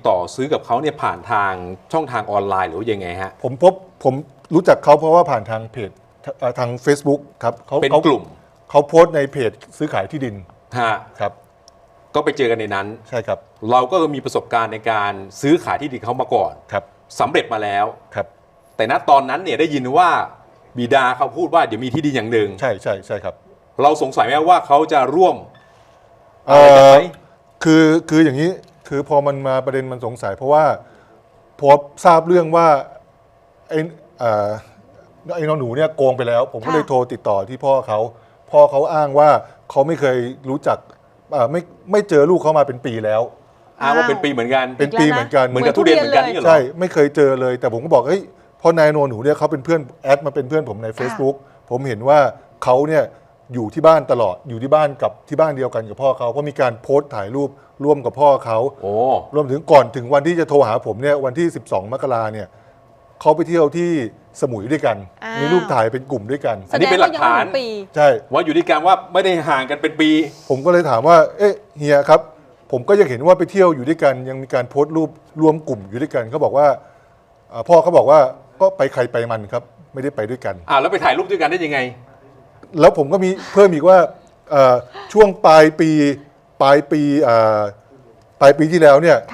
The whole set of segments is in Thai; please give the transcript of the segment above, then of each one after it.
ต่อซื้อกับเขาเนี่ยผ่านทางช่องทางออนไลน์หรือว่ายังไงฮะผมรู้จักเขาเพราะว่าผ่านทางเพจทาง Facebook ครับเป็นกลุ่มเขาโพสต์ในเพจซื้อขายที่ดินฮะครับก็ไปเจอกันในนั้นใช่ครับเราก็มีประสบการณ์ในการซื้อขายที่ดินเขามาก่อนครับสำเร็จมาแล้วครับแต่ณตอนนั้นเนี่ยได้ยินว่าบิดาเขาพูดว่าเดี๋ยวมีที่ดินอย่างหนึ่งใช่ครับเราสงสัยไหมว่าเขาจะร่วมอะไรกันไหมคืออย่างนี้คือพอมันมาประเด็นมันสงสัยเพราะว่าพอทราบเรื่องว่าไอ้น้องหนูเนี่ยโกงไปแล้วผมก็เลยโทรติดต่อที่พ่อเขาอ้างว่าเขาไม่เคยรู้จักไม่เจอลูกเขามาเป็นปีแล้วอ้างว่าเป็นปีเหมือนกันเป็นปีเหมือนกันเหมือนกับทุเรียนเหมือนกันนี่เหรอใช่ไม่เคยเจอเลยแต่ผมก็บอกเฮ้ยพอนายโนหนูเนี่ยเขาเป็นเพื่อนแอดมาเป็นเพื่อนผมใน Facebook ผมเห็นว่าเขาเนี่ยอยู่ที่บ้านตลอดอยู่ที่บ้านกับที่บ้านเดียวกันกับพ่อเขาเพราะมีการโพสต์ถ่ายรูปร่วมกับพ่อเขารวมถึงก่อนถึงวันที่จะโทรหาผมเนี่ยวันที่12มกราเนี่ยเขาไปเที่ยวที่สมุยด้วยกันมีรูปถ่ายเป็นกลุ่มด้วยกันอันนี้เป็นหลักฐานใช่ว่าอยู่ด้วยกันว่าไม่ได้ห่างกันเป็นปีผมก็เลยถามว่าเอ๊ะเฮียครับผมก็ยังเห็นว่าไปเที่ยวอยู่ด้วยกันยังมีการโพสต์รูปรวมกลุ่มอยู่ด้วยกันเขาบอกว่าพ่อเขาบอกว่าก็ไปใครไปมันครับไม่ได้ไปด้วยกันแล้วไปถ่ายรูปด้วยกันได้ยังไงแล้วผมก็มีเพิ่มอีกว่าช่วงปลายปีที่แล้วเนี่ย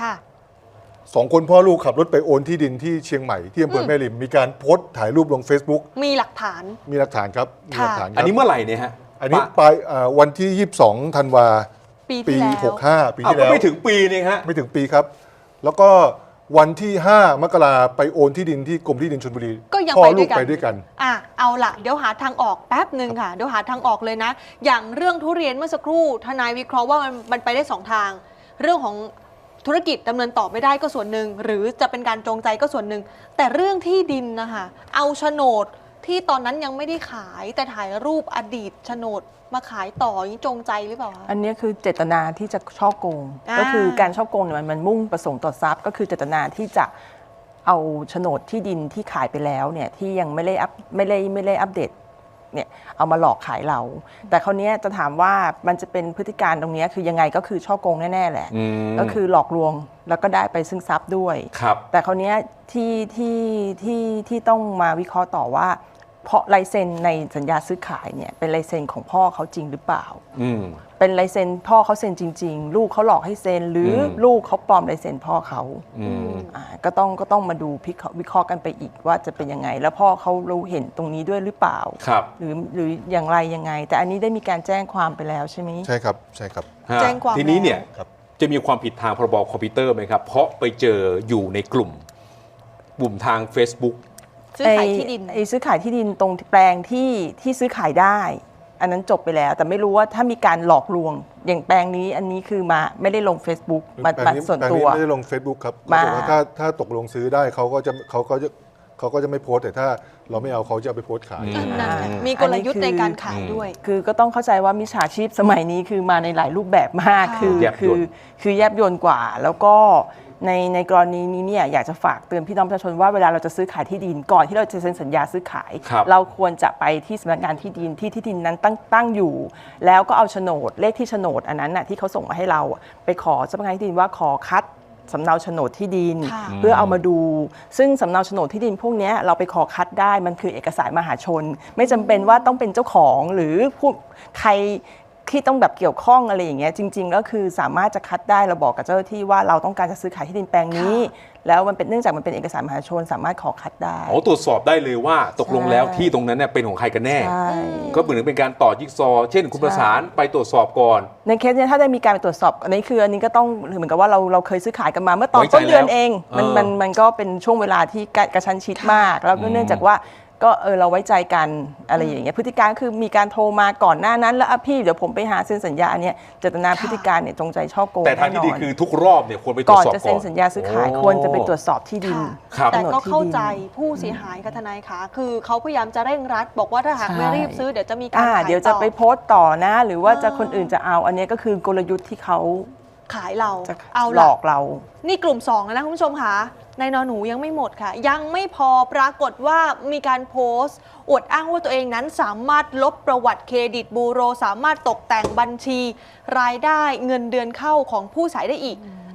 2 คนพ่อลูกขับรถไปโอนที่ดินที่เชียงใหม่ที่อำเภอแม่ริมมีการโพสต์ถ่ายรูปลง Facebook มีหลักฐานครับมีหลักฐานอันนี้เมื่อไหร่เนี่ยฮะอันนี้ปลายวันที่22ธันวาปี65ปีที่แล้วไม่ถึงปีนี่ฮะไม่ถึงปีครับแล้วก็วันที่5มกราไปโอนที่ดินที่กรมที่ดินชลบุรีก็ยังไปด้วยกันเอาล่ะเดี๋ยวหาทางออกแป๊บหนึ่งค่ะเดี๋ยวหาทางออกเลยนะอย่างเรื่องทุเรียนเมื่อสักครู่ทนายวิเคราะห์ว่ามันไปได้2ทางเรื่องของธุรกิจดำเนินต่อไม่ได้ก็ส่วนหนึ่งหรือจะเป็นการจงใจก็ส่วนหนึ่งแต่เรื่องที่ดินนะคะเอาโฉนดที่ตอนนั้นยังไม่ได้ขายแต่ถ่ายรูปอดีตโฉนดมาขายต่อนี่จงใจหรือเปล่าคะอันนี้คือเจตนาที่จะฉ้อโกงก็คือการฉ้อโกงเนี่ยมันมุ่งประสงค์ต่อทรัพย์ก็คือเจตนาที่จะเอาโฉนดที่ดินที่ขายไปแล้วเนี่ยที่ยังไม่ได้อัปเดตเนี่ยเอามาหลอกขายเราแต่คราวนี้จะถามว่ามันจะเป็นพฤติการตรงนี้คือยังไงก็คือฉ้อโกงแน่ๆแหละก็คือหลอกลวงแล้วก็ได้ไปซึ่งทรัพย์ด้วยแต่คราวนี้ที่ต้องมาวิเคราะห์ต่อว่าเพราะลายเซ็นในสัญญาซื้อขายเนี่ยเป็นลายเซ็นของพ่อเขาจริงหรือเปล่าเป็นลายเซ็นพ่อเขาเซ็นจริงๆลูกเขาหลอกให้เซ็นหรือลูกเขาปลอมลายเซ็นพ่อเขาก็ต้องมาดูวิเคราะห์กันไปอีกว่าจะเป็นยังไงแล้วพ่อเขารู้เห็นตรงนี้ด้วยหรือเปล่าหรืออย่างไรยังไงแต่อันนี้ได้มีการแจ้งความไปแล้วใช่ไหมใช่ครับแจ้งความทีนี้เนี่ยจะมีความผิดทางพรบคอมพิวเตอร์ไหมครับเพราะไปเจออยู่ในกลุ่มทาง Facebook ซื้อขายที่ดินซื้อขายที่ดินตรงแปลงที่ซื้อขายได้อันนั้นจบไปแล้วแต่ไม่รู้ว่าถ้ามีการหลอกลวงอย่างแปลงนี้อันนี้คือมาไม่ได้ลง Facebook มาส่วนตัวไม่ได้ลง Facebook ครับถ้าตกลงซื้อได้เขาก็จะไม่โพสแต่ถ้าเราไม่เอาเขาจะเอาไปโพสขายมีกลยุทธ์ในการขายด้วยคือก็ต้องเข้าใจว่ามิจฉาชีพสมัยนี้คือมาในหลายรูปแบบมากคือแยบยลกว่าแล้วก็ในกรณีนี้เนี่ยอยากจะฝากเตือนพี่น้องประชาชนว่าเวลาเราจะซื้อขายที่ดินก่อนที่เราจะเซ็นสัญญาซื้อขายเราควรจะไปที่สำนักงานที่ดินที่ดินนั้นตั้งอยู่แล้วก็เอาโฉนดเลขที่โฉนดอันนั้นน่ะที่เขาส่งมาให้เราไปขอสำนักงานที่ดินว่าขอคัดสำเนาโฉนดที่ดินเพื่อเอามาดูซึ่งสำเนาโฉนดที่ดินพวกนี้เราไปขอคัดได้มันคือเอกสารมหาชนไม่จำเป็นว่าต้องเป็นเจ้าของหรือผู้ใครที่ต้องแบบเกี่ยวข้องอะไรอย่างเงี้ยจริงๆก็คือสามารถจะคัดได้เราบอกกับเจ้าหน้าที่ว่าเราต้องการจะซื้อขายที่ดินแปลงนี้แล้วมันเป็นเนื่องจากมันเป็นเอกสารมหาชนสามารถขอคัดได้ตรวจสอบได้เลยว่าตกลงแล้วที่ตรงนั้นเนี่ยเป็นของใครกันแน่ก็เหมือนเป็นการต่อจิ๊กซอเช่นคุณประสานไปตรวจสอบก่อนในเคสนี้ถ้าได้มีการไปตรวจสอบอันนี้ก็ต้องเหมือนกับว่าเราเคยซื้อขายกันมาเมื่อตอนต้นเดือนเองมันก็เป็นช่วงเวลาที่กระชั้นชิดมากแล้วก็เนื่องจากว่าก็เราไว้ใจกันอะไรอย่างเงี้ยพฤติการคือมีการโทรมาก่อนหน้านั้นแล้วพี่เดี๋ยวผมไปหาเซ็นสัญญาเนี่ยเจตนาพฤติการเนี่ยจงใจฉ้อโกงแต่ทางที่ดีคือทุกรอบเนี่ยควรไปตรวจสอบก่อนจะเซ็นสัญญาซื้อขายควรจะไปตรวจสอบที่ดินแต่ก็เข้าใจผู้เสียหายค่ะทนายคะคือเขาพยายามจะเร่งรัดบอกว่าถ้าหากไม่รีบซื้อเดี๋ยวจะมีการขายต่อเดี๋ยวจะไปโพสต์ต่อนะหรือว่าจะคนอื่นจะเอาอันนี้ก็คือกลยุทธ์ที่เขาขายเราเอาหลอกเรานี่กลุ่ม2แล้วนะคุณผู้ชมค่ะนายนหนูยังไม่หมดค่ะยังไม่พอปรากฏว่ามีการโพสต์อวดอ้างว่าตัวเองนั้นสามารถลบประวัติเครดิตบูโรสามารถตกแต่งบัญชีรายได้เงินเดือนเข้าของผู้ใช้ได้อีก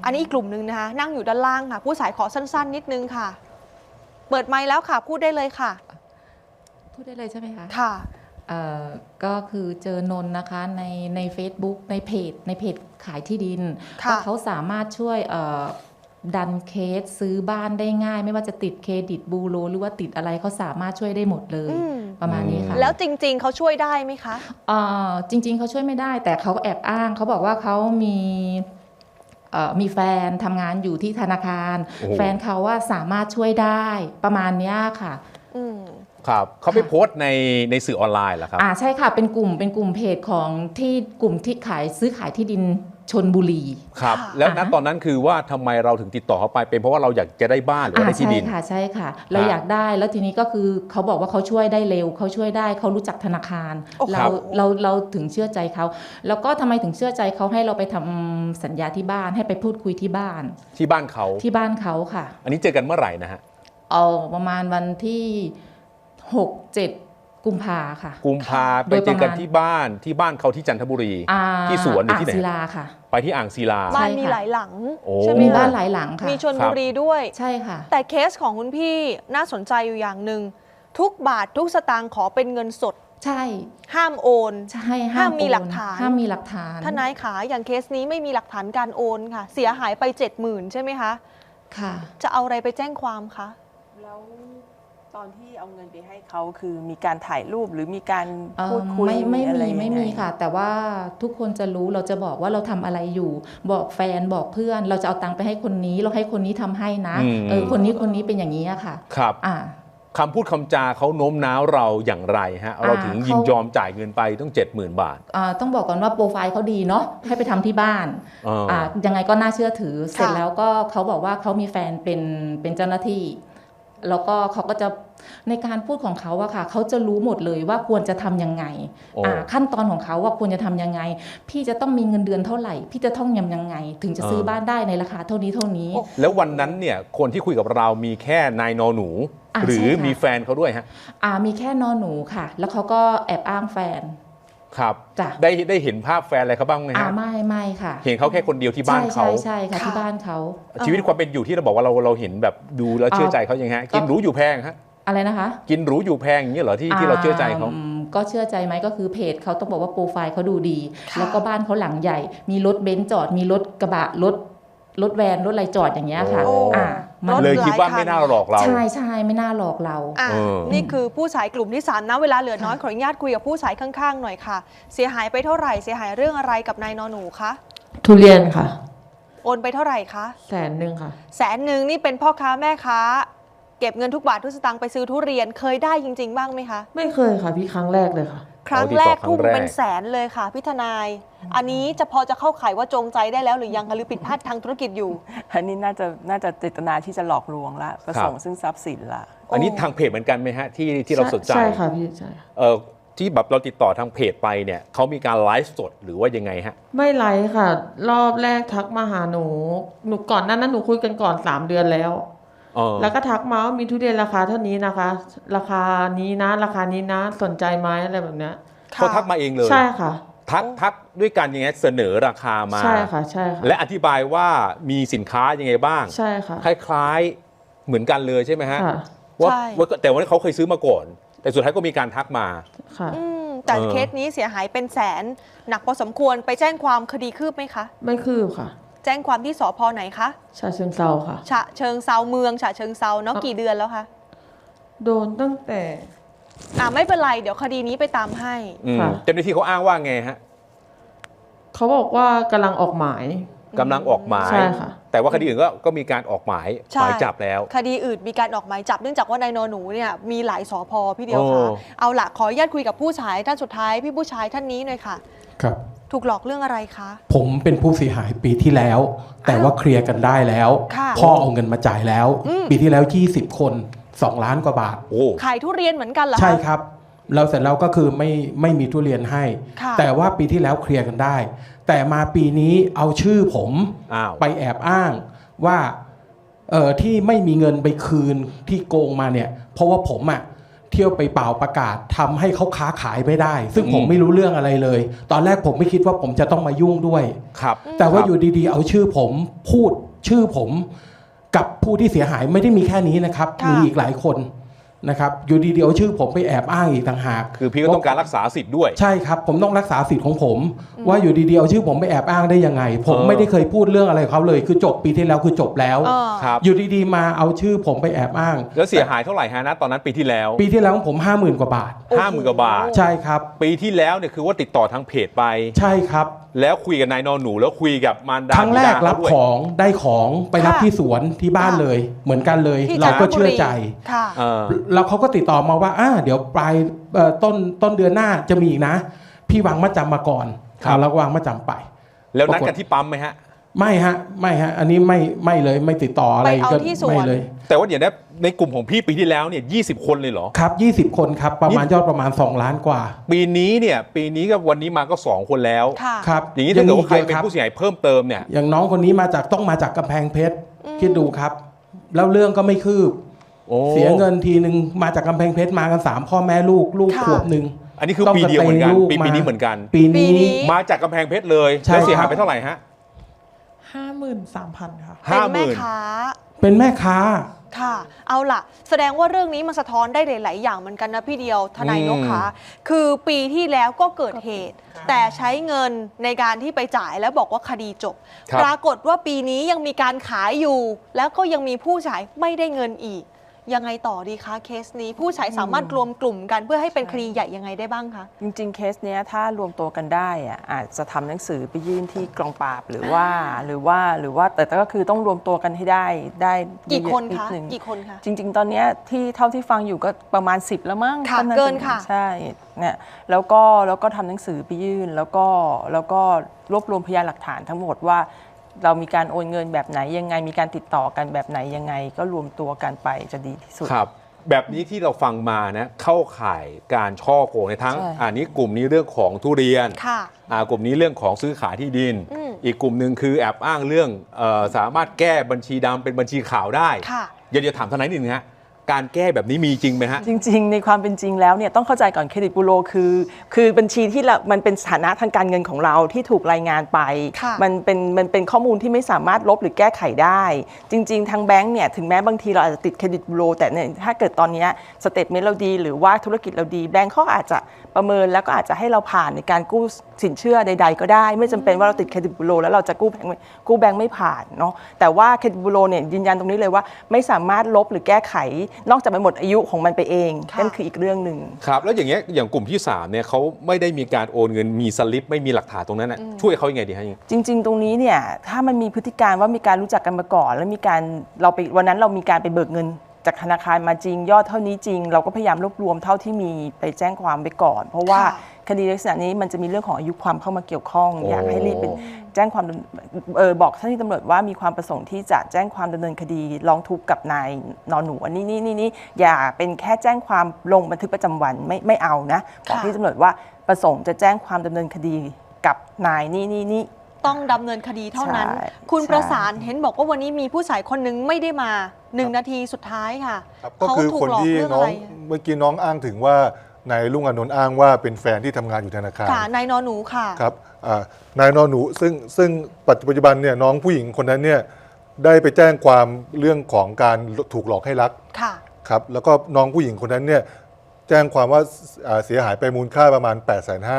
อันนี้อีกกลุ่มหนึ่งนะคะนั่งอยู่ด้านล่างค่ะผู้สายขอสั้นๆนิดนึงค่ะเปิดไมค์แล้วค่ะพูดได้เลยค่ะพูดได้เลยใช่ไหมคะค่ะก็คือเจอนนนะคะใน Facebook ในเพจขายที่ดินว่าเขาสามารถช่วยดันเคสซื้อบ้านได้ง่ายไม่ว่าจะติดเครดิตบูโรหรือว่าติดอะไรเขาสามารถช่วยได้หมดเลยประมาณนี้ค่ะแล้วจริงๆเขาช่วยได้ไหมคะจริงๆเขาช่วยไม่ได้แต่เขาแอบอ้างเขาบอกว่าเขามีแฟนทำงานอยู่ที่ธนาคารแฟนเขาว่าสามารถช่วยได้ประมาณนี้ค่ะครับเขาไปโพสต์ในสื่อออนไลน์เหรอครับใช่ค่ะเป็นกลุ่มเพจของที่กลุ่มที่ซื้อขายที่ดินชลบุรีครับแล้วณตอนนั้นคือว่าทำไมเราถึงติดต่อเขาไปเป็นเพราะว่าเราอยากจะได้บ้านหรือว่าได้ที่ดินใช่ค่ะเราอยากได้แล้วทีนี้ก็คือเขาบอกว่าเขาช่วยได้เร็วเขาช่วยได้เขารู้จักธนาคารเราถึงเชื่อใจเขาแล้วก็ทำไมถึงเชื่อใจเขาให้เราไปทำสัญญาที่บ้านให้ไปพูดคุยที่บ้านเขาค่ะอันนี้เจอกันเมื่อไหร่นะฮะประมาณวันที่6-7 กุมภาค่ะกุมภาไปเจอกันที่บ้านเขาที่จันทบุรีที่สวนหรือที่ไหนอ่างศิลาค่ะไปที่อ่างศิลาบ้านมีหลายหลังใช่ไหมมีบ้านหลายหลังค่ะมีชลบุรีด้วยใช่ค่ะแต่เคสของคุณพี่น่าสนใจอยู่อย่างหนึ่งทุกบาททุกสตางค์ขอเป็นเงินสดใช่ห้ามโอนใช่ห้ามมีหลักฐานทนายขาอย่างเคสนี้ไม่มีหลักฐานการโอนค่ะเสียหายไป 70,000 ใช่ไหมคะค่ะจะเอาอะไรไปแจ้งความคะแล้วตอนที่เอาเงินไปให้เขาคือมีการถ่ายรูปหรือมีการพูดคุยไม่มีค่ะแต่ว่าทุกคนจะรู้เราจะบอกว่าเราทำอะไรอยู่บอกแฟนบอกเพื่อนเราจะเอาตังค์ไปให้คนนี้เราให้คนนี้ทำให้นะคนนี้เป็นอย่างนี้ค่ะครับคำพูดคำจาเขาโน้มน้าวเราอย่างไรฮะเราถึงยินยอมจ่ายเงินไปต้อง 70,000 บาทต้องบอกก่อนว่าโปรไฟล์เขาดีเนาะให้ไปทำที่บ้านยังไงก็น่าเชื่อถือเสร็จแล้วก็เขาบอกว่าเขามีแฟนเป็นเจ้าหน้าที่แล้วก็เขาก็จะในการพูดของเขาอะค่ะเขาจะรู้หมดเลยว่าควรจะทำยังไงขั้นตอนของเขาว่าควรจะทำยังไงพี่จะต้องมีเงินเดือนเท่าไหร่พี่จะต้องยังไงถึงจะซื้อบ้านได้ในราคาเท่านี้แล้ววันนั้นเนี่ยคนที่คุยกับเรามีแค่นายนอหนูหรือมีแฟนเขาด้วยฮะมีแค่นอหนูค่ะแล้วเขาก็แอบอ้างแฟนครับได้เห็นภาพแฟนอะไรเขาบ้างไหมฮะไม่ค่ะเห็นเขาแค่คนเดียวที่บ้านเขาใช่ค่ะที่บ้านเขาชีวิตความเป็นอยู่ที่เราบอกว่าเราเห็นแบบดูแล้วเชื่อใจเขายังไงกินหรูอยู่แพงฮะอะไรนะคะกินหรูอยู่แพงอย่างนี้เหรอที่เราเชื่อใจเขาก็เชื่อใจไหมก็คือเพจเขาต้องบอกว่าโปรไฟล์เขาดูดีแล้วก็บ้านเขาหลังใหญ่มีรถเบนซ์จอดมีรถกระบะรถแวนรถอะไรจอดอย่างเงี้ยค่ะมันเลยคิดว่าไม่น่าหลอกเราใช่ไม่น่าหลอกเรานี่คือผู้สายกลุ่มที่3นะเวลาเหลือน้อยขออนุญาตคุยกับผู้สายข้างๆหน่อยค่ะเสียหายไปเท่าไหร่เสียหายเรื่องอะไรกับนายนอหนูคะทุเรียนค่ะโอนไปเท่าไหร่คะ 100,000ค่ะ 100,000นี่เป็นพ่อค้าแม่ค้าเก็บเงินทุกบาททุกสตางค์ไปซื้อทุเรียนเคยได้จริงๆบ้างไหมคะไม่เคยค่ะพี่ครั้งแรกเลยค่ะครั้งแรกทุ่มเป็นแสนเลยค่ะพี่ทนายอันนี้พอจะเข้าข่ายว่าจงใจได้แล้วหรือยังคะหรือผิดพลาดทางธุรกิจอยู่อันนี้น่าจะเจตนาที่จะหลอกลวงละประสงค์ซึ่งทรัพย์สินละอันนี้ทางเพจเหมือนกันไหมฮะที่เราสนใจใช่ค่ะพี่ใช่ที่แบบเราติดต่อทางเพจไปเนี่ยเขามีการไลฟ์สดหรือว่ายังไงฮะไม่ไลฟ์ค่ะรอบแรกทักมาหาหนูก่อนนั้นหนูคุยกันก่อน3 เดือนแล้วแล้วก็ทักมาว่ามีทุเรียนราคาเท่านี้นะคะราคานี้นะราคานี้นะสนใจไหมอะไรแบบเนี้ยเขาทักมาเองเลยใช่ค่ะทักด้วยกันยังไงเสนอราคามาใช่ค่ะใช่ค่ะและอธิบายว่ามีสินค้ายังไงบ้างใช่ค่ะคล้ายๆเหมือนกันเลยใช่ไหมฮะว่าแต่ว่าเขาเคยซื้อมาก่อนแต่สุดท้ายก็มีการทักมาค่ะแต่เคสนี้เสียหายเป็นแสนหนักพอสมควรไปแจ้งความคดีคืบไหมคะไม่คืบค่ะแจ้งความที่สภ.ไหนคะฉะเชิงเทราค่ะฉะเชิงเทราเมืองฉะเชิงเทราเนาะกี่เดือนแล้วคะโดนตั้งแต่ไม่เป็นไรเดี๋ยวคดีนี้ไปตามให้เจ้าหน้าที่เขาอ้างว่าไงฮะเขาบอกว่ากำลังออกหมายใช่ค่ะแต่ว่าคดีอื่นก็มีการออกหมายจับแล้วคดีอื่นมีการออกหมายจับเนื่องจากว่านายนอหนูเนี่ยมีหลายสภ.พี่เดียวค่ะเอาล่ะขออนุญาตคุยกับผู้ชายท่านสุดท้ายพี่ผู้ชายท่านนี้หน่อยค่ะครับถูกหลอกเรื่องอะไรคะผมเป็นผู้เสียหายปีที่แล้วแต่ว่าเคลียร์กันได้แล้วพ่อเอาเงินมาจ่ายแล้วปีที่แล้ว20 คน2 ล้านกว่าบาทขายทุเรียนเหมือนกันเหรอใช่ครับเราเสร็จแล้วก็คือไม่มีทุเรียนให้แต่ว่าปีที่แล้วเคลียร์กันได้แต่มาปีนี้เอาชื่อผมไปแอบอ้างว่าที่ไม่มีเงินไปคืนที่โกงมาเนี่ยเพราะว่าผมเที่ยวไปเป่าประกาศทำให้เขาค้าขายไม่ได้ ซึ่งผมไม่รู้เรื่องอะไรเลย ตอนแรกผมไม่คิดว่าผมจะต้องมายุ่งด้วยครับแต่ว่าอยู่ดีๆเอาชื่อผมพูดชื่อผมกับผู้ที่เสียหายไม่ได้มีแค่นี้นะครับค่ะมีอีกหลายคนนะครับอยู่ดีๆเอาชื่อผมไปแอบอ้างอีกต่างหากคือพี่ก็ต้องการรักษาสิทธิ์ด้วยใช่ครับผมต้องรักษาสิทธิ์ของผม ว่าอยู่ดีๆเอาชื่อผมไปแอบอ้างได้ยังไง ผมไม่ได้เคยพูดเรื่องอะไรเขาเลย คือจบปีที่แล้วคือจบแล้วครับอยู่ดีๆมาเอาชื่อผมไปแอบอ้างแล้วเสียหายเท่าไหร่ฮะนะตอนนั้นปีที่แล้วปีที่แล้วของผม 50,000 กว่าบาท 50,000 กว่าบาทใช่ครับปีที่แล้วเนี่ยคือว่าติดต่อทางเพจไปใช่ครับแล้วคุยกับนายนอนหนูแล้วคุยกับมารดาครั้งแรกบิดารับด้วยของได้ของไปรับค่ะที่สวนที่บ้านค่ะเลย เหมือนกันเลยที่เราก็จันทบุรีเชื่อใจค่ะเออแล้วเขาก็ติดต่อมาว่าเดี๋ยวปลายต้นเดือนหน้าจะมีอีกนะ พี่วางมัดจำมาก่อนครับเราก็วางมัดจำไปแล้วนัดกันที่ปั๊มไหมฮะไม่ฮะอันนี้ไม่เลยไม่ติดต่ออะไรไปเอาก็ที่สวนไม่เลยแต่ว่าเดี๋ยวนะในกลุ่มของพี่ปีที่แล้วเนี่ย20 คนเลยเหรอครับ20 คนครับประมาณยอดประมาณ2 ล้านกว่าปีนี้กับวันนี้มาก็2 คนแล้วค่ะครับอย่างนี้ถ้าเกิดว่าใครยังมีเป็นอีกผู้เสียหายเพิ่มเติมเนี่ยอย่างน้องคนนี้ต้องมาจากกำแพงเพชรคิดดูครับ แล้วเรื่องก็ไม่คืบโอ้เสียเงินทีนึงมาจากกำแพงเพชรมากัน3 พ่อแม่ลูกค่ะขวบหนึ่งอันนี้คือต้องปีเดียวเหมือนกันสเตย์ลูกปีมานี้เหมือนกันปีปีนี้นี้มาจากกำแพงเพชรเลยใช่แล้วเสียหายครับไปเท่าไหร่ฮะ 53,000 ค่ะเป็นแม่ 50,000 ค้าเป็นแม่ค้าค่ะ เอาล่ะ แสดงว่าเรื่องนี้มันสะท้อนได้หลาย ๆ อย่างเหมือนกันนะพี่เดียวทนายนกคะคือปีที่แล้วก็เกิดเหตุ แต่ใช้เงินในการที่ไปจ่ายแล้วบอกว่าคดีจบครับปรากฏว่าปีนี้ยังมีการขายอยู่ แล้วก็ยังมีผู้ใช้ไม่ได้เงินอีก ยังไงต่อดีคะเคสนี้ผู้ใช้สามารถรวมกลุ่มกันเพื่อให้เป็นคดีใหญ่ยังไงได้บ้างคะจริงๆ เคสเนี้ยถ้ารวมตัวกันได้อะอาจจะทำหนังสือไปยื่นที่กองปราบหรือว่าแต่ก็คือต้องรวมตัวกันให้ได้กี่คนนิดคะนึงกี่คนคะจริง ๆ ตอนเนี้ยที่เท่าที่ฟังอยู่ก็ประมาณ 10 แล้วมั้งค่ะท่าเกินค่ะใช่เนี่ยแล้วก็ทำหนังสือไปยื่นแล้วก็รวบรวมพยานหลักฐานทั้งหมดว่าเรามีการโอนเงินแบบไหนยังไงมีการติดต่อกันแบบไหนยังไง ก็รวมตัวกันไปจะดีที่สุดครับแบบนี้ที่เราฟังมานะเข้าข่ายการช่อโกงในทั้งใช่อันนี้กลุ่มนี้เรื่องของทุเรียนค่ะกลุ่มนี้เรื่องของซื้อขายที่ดิน อีกกลุ่มหนึ่งคือแอบอ้างเรื่องสามารถแก้บัญชีดำเป็นบัญชีขาวได้ค่ะเดี๋ยวถามทนายนิดนึงฮะการแก้แบบนี้มีจริงไหมฮะจริงๆ ในความเป็นจริงแล้วเนี่ยต้องเข้าใจก่อนเครดิตบูโรคือบัญชีที่มันเป็นสถานะทางการเงินของเราที่ถูกรายงานไปค่ะมันเป็นข้อมูลที่ไม่สามารถลบหรือแก้ไขได้ จริงๆ ทางแบงก์เนี่ยถึงแม้บางทีเราอาจจะติดเครดิตบูโรแต่เนี่ยถ้าเกิดตอนนี้สเตทเมนต์เราดีหรือว่าธุรกิจเราดีแบงก์เขาอาจจะประเมินแล้วก็อาจจะให้เราผ่านในการกู้สินเชื่อใด ๆ ก็ได้ ไม่จำเป็นว่าเราติดเครดิตบูโรแล้วเราจะกู้แบงก์ไม่ผ่านเนาะแต่ว่าเครดิตบูโรเนี่ยยืนยันตรงนี้เลยว่าไม่สามารถลบหรือแก้ไขนอกจากมันหมดอายุของมันไปเองค่ะนั่นคืออีกเรื่องหนึ่งครับแล้วอย่างเงี้ยอย่างกลุ่มที่3เนี่ยเขาไม่ได้มีการโอนเงินมีสลิปไม่มีหลักฐานตรงนั้นนะช่วยเขายังไงดีฮะจริง ๆ ตรงนี้เนี่ยถ้ามันมีพฤติการว่ามีการรู้จักกันมาก่อน แล้วมีการวันนั้นเรามีการไปเบิกเงินจากธนาคารมาจริง ยอดเท่านี้จริง เราก็พยายามรวบรวมเท่าที่มีไปแจ้งความไปก่อน เพราะว่าค่ะคดีลักษณะนี้มันจะมีเรื่องของอายุความเข้ามาเกี่ยวข้องโอ้อยากให้รีบเป็นแจ้งความบอกเจ้าหน้าที่ตำรวจว่ามีความประสงค์ที่จะแจ้งความดำเนินคดีร้องทุกข์กับนายนอนหนูอันนี้อย่าเป็นแค่แจ้งความลงบันทึกประจำวันไม่เอานะบอกที่ตำรวจว่าประสงค์จะแจ้งความดำเนินคดีกับนายนี่ต้องดำเนินคดีเท่านั้นใช่คุณใช่ประสานเห็นบอกว่าวันนี้มีผู้ชายคนหนึงไม่ได้มา1 นาทีสุดท้ายค่ะครับก็เขาคือถูกคนหลอกที่เรื่องน้อะองไรเมื่อกี้น้องอ้างถึงว่านายลุงอานนท์อ้างว่าเป็นแฟนที่ทำงานอยู่ธนาคารค่ะนายนอหนูค่ะครับนายนอนหนูซึ่งปัจจุบันเนี่ยน้องผู้หญิงคนนั้นเนี่ยได้ไปแจ้งความเรื่องของการถูกหลอกให้รักค่ะครับแล้วก็น้องผู้หญิงคนนั้นเนี่ยแจ้งความว่าเสียหายไปมูลค่าประมาณ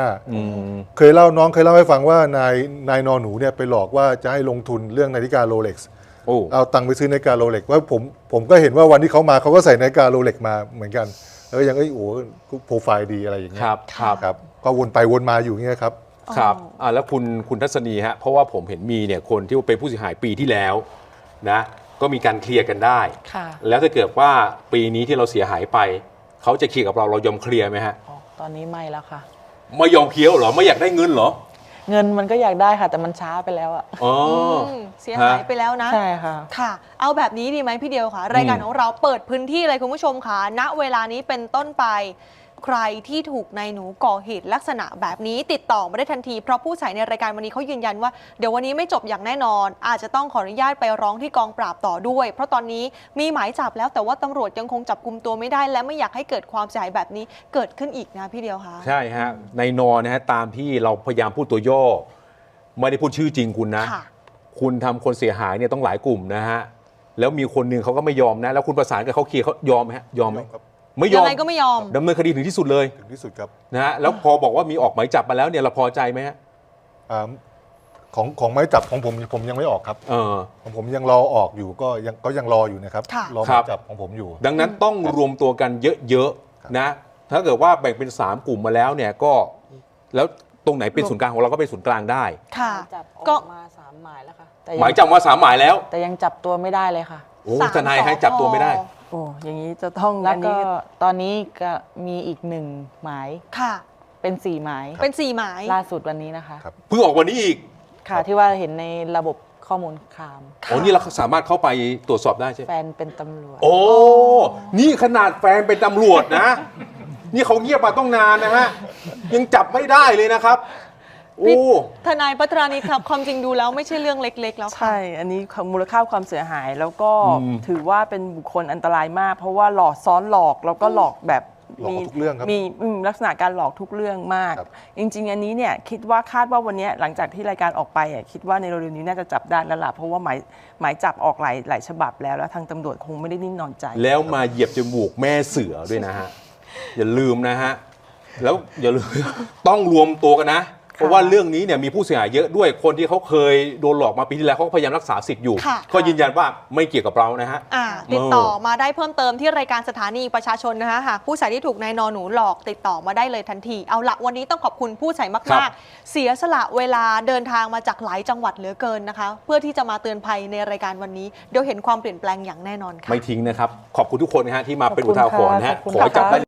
850,000เคยเล่าให้ฟังว่านายนอนหนูเนี่ยไปหลอกว่าจะให้ลงทุนเรื่องนาฬิกาโรเล็กซ์โอ้เอาตังค์ไปซื้อนาฬิกาโรเล็กซ์ว่าผมก็เห็นว่าวันที่เขามาเขาก็ใส่นาฬิกาโรเล็กซ์มาเหมือนกันแล้วก็ยังโอ้โปรไฟล์ดีอะไรอย่างเงี้ย ครับก็วนไปวนมาอยู่อย่างเงี้ยครับครับแล้วคุณทัศนีฮะเพราะว่าผมเห็นมีเนี่ยคนที่เป็นผู้เสียหายปีที่แล้วนะก็มีการเคลียร์กันได้ค่ะแล้วถ้าเกิดว่าปีนี้ที่เราเสียหายไปเขาจะเคลียร์กับเรายอมเคลียร์ไหมฮะอ๋อตอนนี้ไม่แล้วค่ะไม่ยอมเคลียร์เหรอไม่อยากได้เงินเหรอเงินมันก็อยากได้ค่ะ แต่มันช้าไปแล้วอะอ๋อเสียหายไปแล้วนะใช่ค่ะค่ะ เอาแบบนี้ดีไหมพี่เดียวค่ะ รายการของเราเปิดพื้นที่เลยคุณผู้ชมค่ะณเวลานี้เป็นต้นไปใครที่ถูกนายหนูก่อเหตุลักษณะแบบนี้ติดต่อมาได้ทันทีเพราะผู้ใช้ในรายการวันนี้เขายืนยันว่าเดี๋ยววันนี้ไม่จบอย่างแน่นอนอาจจะต้องขออนุญาตไปร้องที่กองปราบต่อด้วยเพราะตอนนี้มีหมายจับแล้วแต่ว่าตำรวจยังคงจับกุมตัวไม่ได้และไม่อยากให้เกิดความเสียหายแบบนี้เกิดขึ้นอีกนะพี่เดียวค่ะใช่ฮะในนอนะฮะตามที่เราพยายามพูดตัวย่อไม่ได้พูดชื่อจริงคุณนะคุณทำคนเสียหายเนี่ยต้องหลายกลุ่มนะฮะแล้วมีคนหนึ่งเขาก็ไม่ยอมนะแล้วคุณประสานกับเขาเคลียร์เขายอมไหมฮะยอมไหมไม่ยอมยังไงก็ไม่ยอมดำเนินคดีถึงที่สุดเลยถึงที่สุดครับนะฮะแล้วพอบอกว่ามีออกหมายจับมาแล้วเนี่ยเราพอใจไหมฮะของหมายจับของผมยังไม่ออกครับของผมยังรอออกอยู่ก็ยังรออยู่นะครับรอหมายจับของผมอยู่ดังนั้นต้องรวมตัวกันเยอะๆนะถ้าเกิดว่าแบ่งเป็น3กลุ่มมาแล้วเนี่ยก็แล้วตรงไหนเป็นศูนย์กลางของเราก็เป็นศูนย์กลางได้ค่ะก็มา3 หมายแล้วค่ะหมายจับมา3 หมายแล้วแต่ยังจับตัวไม่ได้เลยค่ะโอ้ทนายให้จับตัวไม่ได้โอ้อย่างนี้จะต้องแล้วก็ตอนนี้ก็มีอีก1 หมายค่ะเป็น4 หมายเป็น4 หมายล่าสุดวันนี้นะคะเพิ่งออกวันนี้อีกค่ะที่ว่าเห็นในระบบข้อมูลข่าวโอ้นี่เราสามารถเข้าไปตรวจสอบได้ใช่ไหมแฟนเป็นตำรวจโอ้นี่ขนาดแฟนเป็นตำรวจนะนี่เขาเงียบมาต้องนานนะฮะยังจับไม่ได้เลยนะครับโอ้ทนายปัทรานิชครับความจริงดูแล้วไม่ใช่เรื่องเล็กๆแล้วใช่อันนี้มูลค่าความเสียหายแล้วก็ถือว่าเป็นบุคคลอันตรายมากเพราะว่าหลอกซ้อนหลอกแล้วก็หลอกแบบมีลักษณะการหลอกทุกเรื่องมากจริงๆอันนี้เนี่ยคิดว่าคาดว่าวันนี้หลังจากที่รายการออกไปคิดว่าในเร็วๆนี้น่าจะจับได้แล้วล่ะเพราะว่าหมายจับออกหลายฉบับแล้วทางตำรวจคงไม่ได้นิ่งนอนใจแล้วมาเหยียบจมูกแม่เสือด้วยนะฮะอย่าลืมนะฮะแล้วอย่าลืมต้องรวมตัวกันนะเพราะว่าเรื่องนี้เนี่ยมีผู้เสียหายเยอะด้วยคนที่เขาเคยโดนหลอกมาปีที่แล้วเขาพยายามรักษาสิทธิ์อยู่ก็ยืนยันว่าไม่เกี่ยวกับเรานะฮะติดต่อมาได้เพิ่มเติมที่รายการสถานีประชาชนนะคะหากผู้ใช้ที่ถูกนายนอหนูหลอกติดต่อมาได้เลยทันทีเอาละวันนี้ต้องขอบคุณผู้ใช้มากๆเสียสละเวลาเดินทางมาจากหลายจังหวัดเหลือเกินนะคะเพื่อที่จะมาเตือนภัยในรายการวันนี้เดี๋ยวเห็นความเปลี่ยนแปลงอย่างแน่นอนค่ะไม่ทิ้งนะครับขอบคุณทุกคนนะฮะที่มาเป็นอุทาหรณ์นะฮะขอให้จับได้